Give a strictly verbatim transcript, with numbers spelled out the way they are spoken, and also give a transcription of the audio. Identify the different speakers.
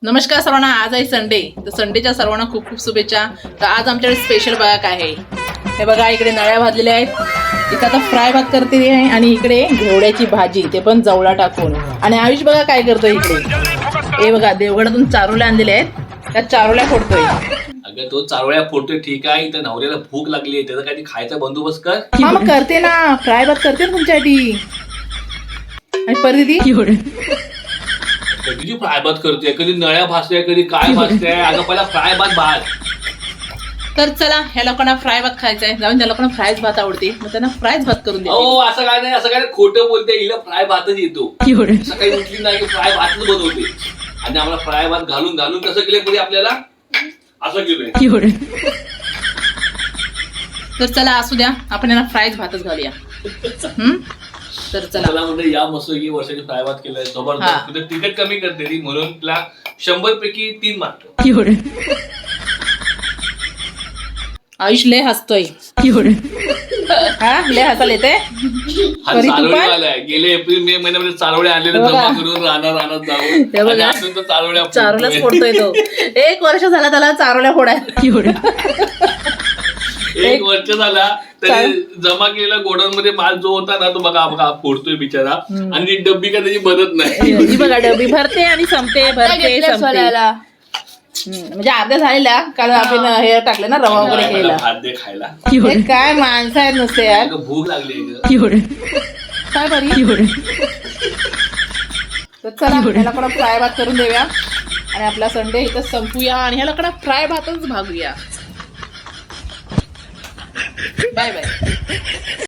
Speaker 1: नमस्कार सर्वांना, आज आहे संडे. तर संडेच्या सर्वांना खूप खूप शुभेच्छा. तर आज आमच्याकडे स्पेशल बघा काय आहे. हे बघा इकडे नळ्या भाजलेल्या आहेत, इथं आता फ्राय भात करते आहे आणि इकडे घेवड्याची भाजी, ते पण जवळा टाकून. आणि आयुष बघा काय करतोय इकडे. हे बघा देवगडातून चारोल्या आणलेल्या आहेत, त्या चारोल्या फोडतोय.
Speaker 2: अगं तो चारोळ्या फोडतोय ठीक आहे, इथं नवऱ्याला भूक लागली आहे, त्याचा काही खायचा बंदोबस्त कर.
Speaker 1: हा मग करते ना, फ्राय भात करते ना तुमच्यासाठी. आणि परिधी
Speaker 2: कधी फ्राय भात करते, कधी नळ्या भाजते, कधी काय भाजते. अगं पहिला फ्राय भात भात.
Speaker 1: तर चला, ह्या लोकांना फ्राय भात खायचा आहे, जाऊन त्या लोकांना फ्रायच भात आवडते, मग त्यांना फ्रायच भात करून दे.
Speaker 2: हो असं काय नाही, असं काय नाही, खोटं बोलते. हिला फ्राय भातच येतो. सकाळी उठली नाही की फ्राय भातच बनवते. आणि आम्हाला फ्राय भात घालून घालून कसं केलं पुढे आपल्याला असं केलंय.
Speaker 1: तर चला असू द्या, आपण यांना फ्रायच भातच घालूया. हम्म तर चला.
Speaker 2: मला म्हणजे या मस्त की वर्षाची फ्राय भात केलाय जबरदस्त. तुझं तिखट कमी करते ती, म्हणून तिला शंभर पैकी तीन मार्क.
Speaker 1: आयुष लय हसतोय. हा लय हसायला येते.
Speaker 2: हा चारोळीवाला आहे. गेले एप्रिल मे महिन्यामध्ये चारोळे आणलेले जमा करून राहणार राहणार जाऊन आणि अजून तो चारोळ्या
Speaker 1: चारोल्याच फोडतोय तो. एक वर्ष झाला त्याला चारोल्या फोडाय.
Speaker 2: एक वर्ष झाला तरी जमा केलेला गोडाऊन मध्ये माल जो होता ना, तो बघा बघा फोडतोय बिचारा. आणि ती डब्बी का त्याची बनत नाही.
Speaker 1: ही बघा डबी भरते आणि संपते, भरते संपते. म्हणजे अर्ध्या झालेल्या, कारण आपण हे टाकले ना रवा वगैरे केलेला.
Speaker 2: भात दे खायला.
Speaker 1: हे काय माणसं आहेत नुसते यार.
Speaker 2: भूक लागली
Speaker 1: काय बरी. तर चला ह्याला कडा फ्राय भात करून देऊया आणि आपला संडे इथं संपूया आणि ह्याला कडा फ्राय भातच भागूया. Bye bye.